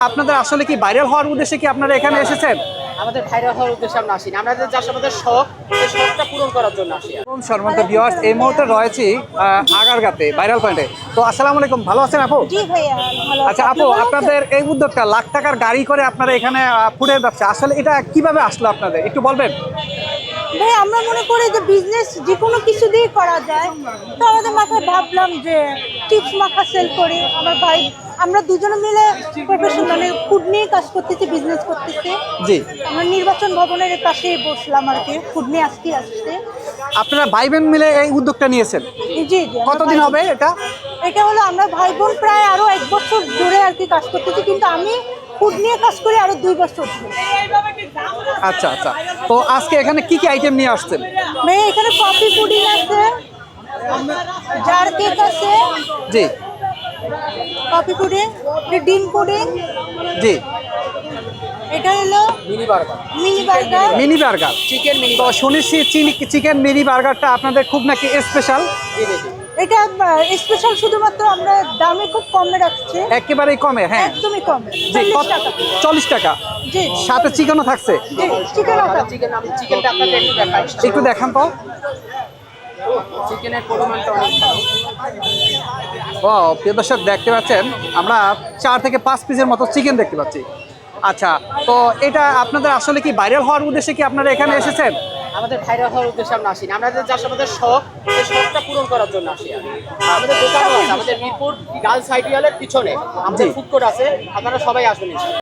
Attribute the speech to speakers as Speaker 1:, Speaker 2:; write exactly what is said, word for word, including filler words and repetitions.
Speaker 1: আপনাদের আসলে কি ভাইরাল হওয়ার উদ্দেশ্যে কি আপনারা এখানে এসেছেন?
Speaker 2: আমাদের ভাইরাল হওয়ার উদ্দেশ্যে আমরা আসিনি। আমাদের জাস্ট আমাদের শখ, এই শখটা পূরণ করার জন্য আসি।
Speaker 1: সম্মানিত ভিউয়ার্স, এই মুহূর্তে রয়েছি আহ, আগারগাঁতে ভাইরাল পয়েন্টে। তো আসসালামু আলাইকুম, ভালো আছেন আপু?
Speaker 3: জি ভাইয়া ভালো
Speaker 1: আচ্ছা
Speaker 3: আছি।
Speaker 1: আপু,
Speaker 3: আপনি ভালো আছেন?
Speaker 1: আপনাদের এই উদ্যোগটা লাখ টাকার গাড়ি করে আপনারা এখানে আহ, ফুডের ব্যবসা, আসলে এটা কিভাবে আসলো আপনাদের একটু বলবেন?
Speaker 3: ভাই আমরা মনে করি যে বিজনেস যে কোনো কিছু দিয়ে করা যায়। তো আমাদের মাথায় ভাবলাম যে চিপস মাখা সেল করি। আমার ভাই আমরা দুজনে মিলে প্রফেশন মানে ফুড নিয়ে কাজ করতেছি, বিজনেস করতেছি।
Speaker 1: জি।
Speaker 3: আমরা নির্বাচন ভবনের পাশেই বসলাম আর কি, ফুড নিয়ে আজকে আসছে।
Speaker 1: আপনারা ভাই বোন মিলে এই উদ্যোগটা নিয়েছেন?
Speaker 3: জি জি আমরা
Speaker 1: কতদিন
Speaker 3: ভাই-
Speaker 1: হবে এটা?
Speaker 3: এটা হলো আমরা ভাই বোন প্রায় আরো এক বছর ধরে আর কি কাজ করতেছি, কিন্তু আমি ফুড নিয়ে কাজ করি আরো দুই বছর ধরে।
Speaker 1: আচ্ছা আচ্ছা, তো আজকে এখানে কি কি আইটেম নিয়ে আসছেন?
Speaker 3: ভাই এখানে কফি পুডিং আছে, জার কেক আছে,
Speaker 1: জি
Speaker 3: কফি পুডিং, ডিম পুডিং,
Speaker 1: জি।
Speaker 3: এটা হলো
Speaker 2: mini burger,
Speaker 3: mini burger.
Speaker 1: Mini burger,
Speaker 2: chicken mini
Speaker 1: তো শুনেছি চিকেন মিনি বার্গারটা আপনাদের খুব নাকি স্পেশাল।
Speaker 3: এটা স্পেশাল, শুধুমাত্র আমরা দামে খুব কমে রাখছি,
Speaker 1: একেবারেই কমে, হ্যাঁ।
Speaker 3: একদমই কমে,
Speaker 1: জি,
Speaker 3: চল্লিশ
Speaker 1: কত-
Speaker 3: টাকা।
Speaker 1: চল্লিশ টাকা,
Speaker 3: জি
Speaker 1: সাথে চিকেনও থাকছে।
Speaker 3: জি চিকেন আছে।
Speaker 2: চিকেন আমি চিকেনটা আপনাকে একটু দেখাই।
Speaker 1: একটু দেখান তো।
Speaker 2: চিকেনের পরিমাণটা অনেক ভালো।
Speaker 1: ও প্রিয় দর্শক, দেখতে পাচ্ছেন আমরা চার থেকে পাঁচ পিসের মতো চিকেন দেখতে পাচ্ছি। আচ্ছা, তো এটা আপনাদের আসলে কি ভাইরাল হওয়ার উদ্দেশ্যে কি আপনারা এখানে এসেছেন?
Speaker 2: আমাদের ভাইরাল হওয়ার উদ্দেশ্যে আমরা আসিনি। আমাদের জাস্ট আমাদের শখ, এই শখটা পূরণ করার জন্য আসি। আমাদের দোকানও আছে, আমাদের মিরপুর গার্লস আইডিয়ালের পিছনে আমাদের
Speaker 1: জি।
Speaker 2: ফুড কোর্ট আছে, আপনারা সবাই আসবেন।